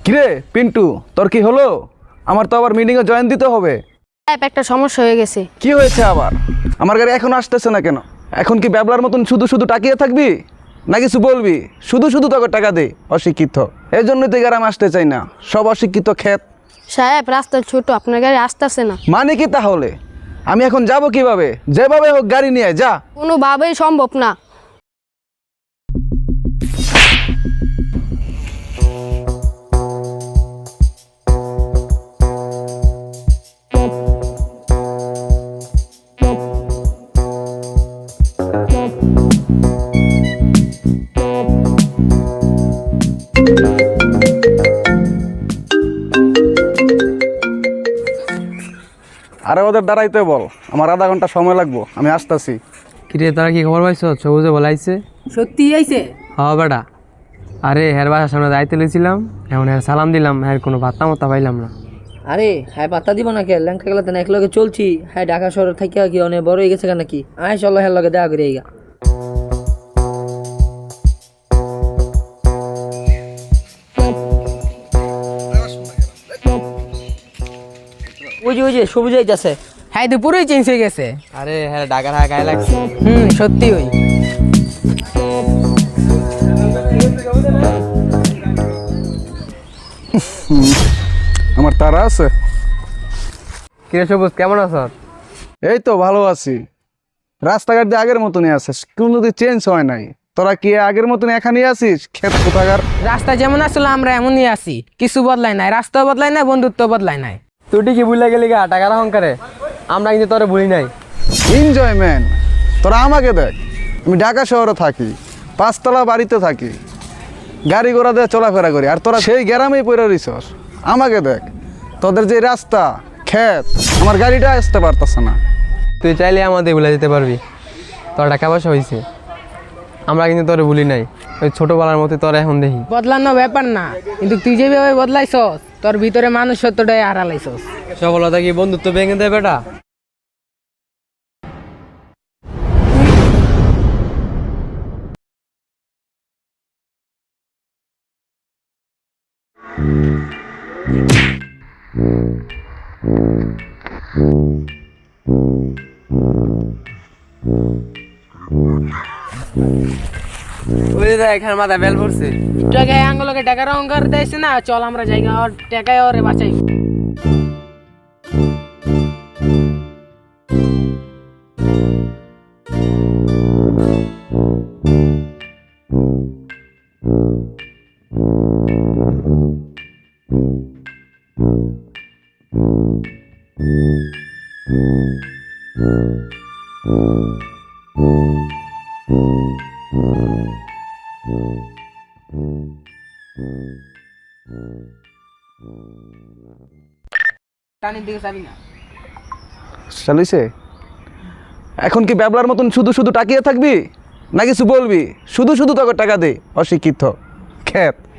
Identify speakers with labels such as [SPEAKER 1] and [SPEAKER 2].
[SPEAKER 1] কিরে পিন্টু, তোর কি হলো? আমার তো আবার মিটিংয়ে জয়েন দিতে হবে।
[SPEAKER 2] একটা সমস্যা হয়ে গেছে।
[SPEAKER 1] কি হয়েছে আবার? আমার গাড়ি এখনো আসতেছে না কেন? এখন কি ব্যাবলার মতন শুধু শুধু তাকিয়ে থাকবি, না কিছু বলবি? শুধু শুধু তোকে টাকা দে, অশিক্ষিত। এই জন্যই তো গ্রামে আসতে চাই না, সব অশিক্ষিত ক্ষেত।
[SPEAKER 2] সাহেব, রাস্তা ছোট, আপনার গাড়ি আসতেছে না।
[SPEAKER 1] মানে কি তাহলে? আমি এখন যাব কিভাবে? যেভাবে হোক গাড়ি নিয়ে যা।
[SPEAKER 2] কোনোভাবেই সম্ভব না।
[SPEAKER 1] আরে ওদের দাঁড়াইতে বল, আমার আধা ঘন্টা সময় লাগবো, আমি আসতেছি।
[SPEAKER 3] কিরে তোরা কি খবর পাইছ? সবুজে বলাইছে
[SPEAKER 4] সত্যি আইছে?
[SPEAKER 3] হ্যাঁ বেটা। আরে হের বাসার সামনে দায়িত্ব লইছিলাম, এখন হের সালাম দিলাম, হের কোনো ভাত্তা মত্তা পাইলাম না।
[SPEAKER 4] আরে হ্যাঁ পাত্তা দিব না কে? ল্যাংকা গেলে এক লগে চলছি, হ্যাঁ ঢাকা শহর থেকে কি অনেক বড় হয়ে গেছে কেন নাকি? আয় চলো হ্যাঁ লগে দেখা করে এইগা। ওই যে সবুজ যাইতেছে।
[SPEAKER 5] হ্যাঁ তো পুরোই চেঞ্জ হয়ে গেছে।
[SPEAKER 3] আরে হ্যাঁ ডাকার হ্যাঁ গায়ে লাগছে।
[SPEAKER 5] সত্যি ওই
[SPEAKER 1] আমার তারা আছে।
[SPEAKER 3] কিরে সবুজ, কেমন আছ?
[SPEAKER 1] এই তো ভালো আছি। রাস্তাঘাট দিয়ে আগের মতনই আছিস, কোনো চেঞ্জ হয় নাই। তোরা কি আগের মতন এখানেই আছিস? ক্ষেত কোথাকার।
[SPEAKER 5] রাস্তা যেমন আসলে আমরা এমনই আছি, কিছু বদলাই নাই, রাস্তাও বদলাই নাই, বন্ধুত্ব বদলাই নাই।
[SPEAKER 3] তুই ঠিকই ভুলে গেলি গা টাকার অহংকারে, আমরা কিন্তু তোরে ভুলি নাই।
[SPEAKER 1] এনজয়মেন্ট। তোরা আমাকে দেখ, আমি ঢাকা শহরে থাকি, 5 তলা বাড়িতে থাকি, গাড়ি ঘোড়া দিয়ে চলাফেরা করি, আর তোরা সেই গ্রামেই পড়ে রইছস। আমাকে দেখ, তোদের যে রাস্তা ক্ষেত, আমার গাড়িটা আসতে পারতেছে না।
[SPEAKER 3] তুই চাইলে আমাদের ভুলে যেতে পারবি, তোর টাকা পয়সা হয়েছে, আমরা কিন্তু তোরে ভুলি নাই। ওই ছোটোবেলার মতো তোরা এখন দেখি।
[SPEAKER 5] বদলানো ব্যাপার না, কিন্তু তুই যেভাবে বদলাইছস, তোর ভিতরে মানুষত্বটাই হারালাইছস।
[SPEAKER 3] সফলতা কি বন্ধুত্ব ভেঙে দেয় বেটা? ওই যে এখানে মাথা বেল পড়ছে।
[SPEAKER 5] টাকায় আঙ্গুলকে টাকার অহংকার দিয়েছে না, চল আমরা জায়গা ওর টাকায় ওরে বাঁচাই। টানির দিকে যাবি না।
[SPEAKER 1] চালিছে। এখন কি ব্যাবলার মতন শুধু শুধু তাকিয়ে থাকবি, না কিছু বলবি? শুধু শুধু তোকে টাকা দে, অশিক্ষিত ক্ষেত।